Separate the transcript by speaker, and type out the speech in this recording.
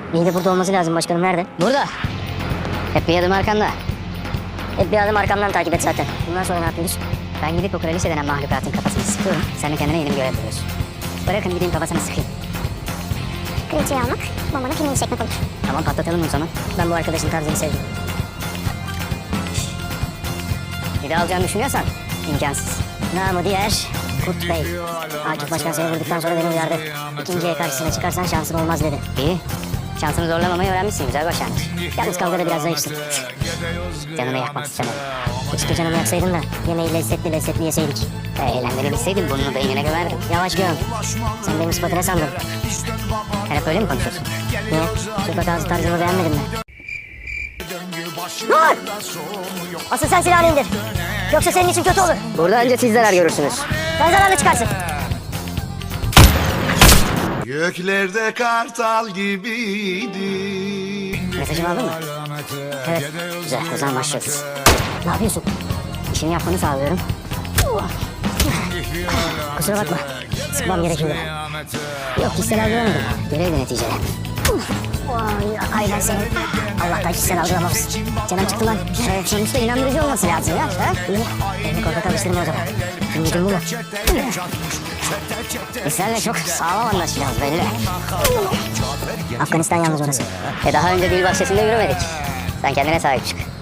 Speaker 1: İyi de burada olması lazım başkanım. Nerede?
Speaker 2: Burada. Hep bir adım arkanda.
Speaker 1: Hep bir adım arkamdan takip et zaten. Bundan sonra ne yapıyoruz?
Speaker 2: Ben gidip o kraliçe denen mahlukatın kafasını sıkıyorum. Sen de kendine yeni bir görev buluyorsun. Bırakın gideyim kafasını sıkayım.
Speaker 3: Kraliçeyi almak, bombanın filmini çekmek olur.
Speaker 2: Tamam patlatalım o zaman.
Speaker 1: Ben bu arkadaşın tarzını sevdim.
Speaker 2: Bir de alacağını düşünüyorsan imkansız.
Speaker 1: Namı diğer Kurt Bey. Akif Başkan seni vurduktan sonra beni uyardı. İkinciye karşısına çıkarsan şansın olmaz dedi.
Speaker 2: İyi. Şansını zorlamamayı öğrenmişsin. Güzel başlangıç.
Speaker 1: Yalnız kavgada biraz zayıfsın.
Speaker 2: Canını yakmak istemedim.
Speaker 1: Keşke canımı yaksaydın da yemeği lezzetli yeseydik.
Speaker 2: Eğlendirebilseydin burnunu beynine gömerdim.
Speaker 1: Yavaş göm. Sen benim sıfatı ne sandın?
Speaker 2: Sen hep öyle mi konuşuyorsun?
Speaker 1: Niye? Sokak ağzı tarzımı beğenmedin mi? Dur! Asıl sen silahını indir. Yoksa senin için kötü olur.
Speaker 2: Burada önce siz zarar görürsünüz.
Speaker 1: Sen zararlı çıkarsın.
Speaker 4: Göklerde kartal gibiydi.
Speaker 2: Mesajımı aldın mı?
Speaker 1: Evet.
Speaker 2: Güzel. O zaman başlıyoruz.
Speaker 1: Ne yapıyorsun?
Speaker 2: İşini yapmanı sağlıyorum.
Speaker 1: Kusura bakma. Sıkmam gerekiyordu.
Speaker 2: Yok kişisel algılamadım. Görevdi neticede.
Speaker 1: Vay aynen senin. Allah'tan kişisel algılamamışsın. Canım çıktı lan.
Speaker 2: Sonuçta inandırıcı olması lazım ya. Ha?
Speaker 1: İyi. Beni korkak alıştırma o zaman. Şimdi bu mu?
Speaker 2: Senle çok sağlam anlaşacağız belli.
Speaker 1: Afganistan yalnız orası.
Speaker 2: Daha önce dil bahçesinde yürümedik. Sen kendine sahip çık.